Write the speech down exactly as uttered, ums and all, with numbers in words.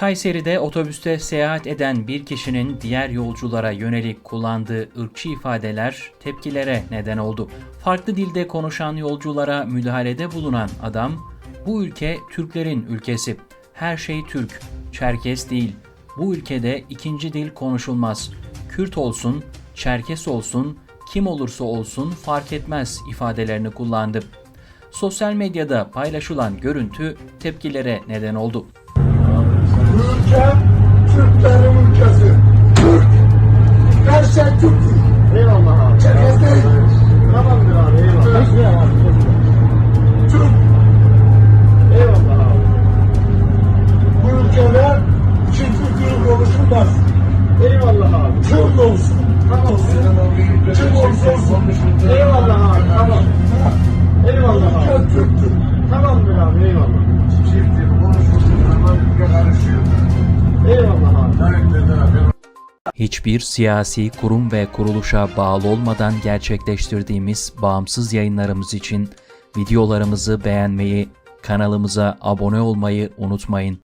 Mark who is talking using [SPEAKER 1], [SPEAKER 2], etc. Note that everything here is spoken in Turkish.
[SPEAKER 1] Kayseri'de otobüste seyahat eden bir kişinin diğer yolculara yönelik kullandığı ırkçı ifadeler tepkilere neden oldu. Farklı dilde konuşan yolculara müdahalede bulunan adam, "Bu ülke Türklerin ülkesi. Her şey Türk, Çerkes değil. Bu ülkede ikinci dil konuşulmaz. Kürt olsun, Çerkes olsun, kim olursa olsun fark etmez" ifadelerini kullandı. Sosyal medyada paylaşılan görüntü tepkilere neden oldu.
[SPEAKER 2] Ülke Türklerin ülkesi. Türk. Her şey Türk'tür.
[SPEAKER 3] Eyvallah abi.
[SPEAKER 2] Çerkez değil.
[SPEAKER 3] Tamamdır abi, eyvallah. Eyvallah.
[SPEAKER 2] Türk.
[SPEAKER 3] Eyvallah abi.
[SPEAKER 2] Bu ülkede iki kültürü konuşulmaz.
[SPEAKER 3] Eyvallah abi.
[SPEAKER 2] Kürt olsun.
[SPEAKER 3] Tamam.
[SPEAKER 2] Kim olursa olsun.
[SPEAKER 3] Eyvallah abi, tamam. Eyvallah abi.
[SPEAKER 2] Ülke Türk'tür.
[SPEAKER 3] Tamamdır abi, eyvallah.
[SPEAKER 2] Çifttir. Konuşulduğu zaman ülke karışıyor.
[SPEAKER 3] Eyvallah abi.
[SPEAKER 1] Hiçbir siyasi kurum ve kuruluşa bağlı olmadan gerçekleştirdiğimiz bağımsız yayınlarımız için videolarımızı beğenmeyi, kanalımıza abone olmayı unutmayın.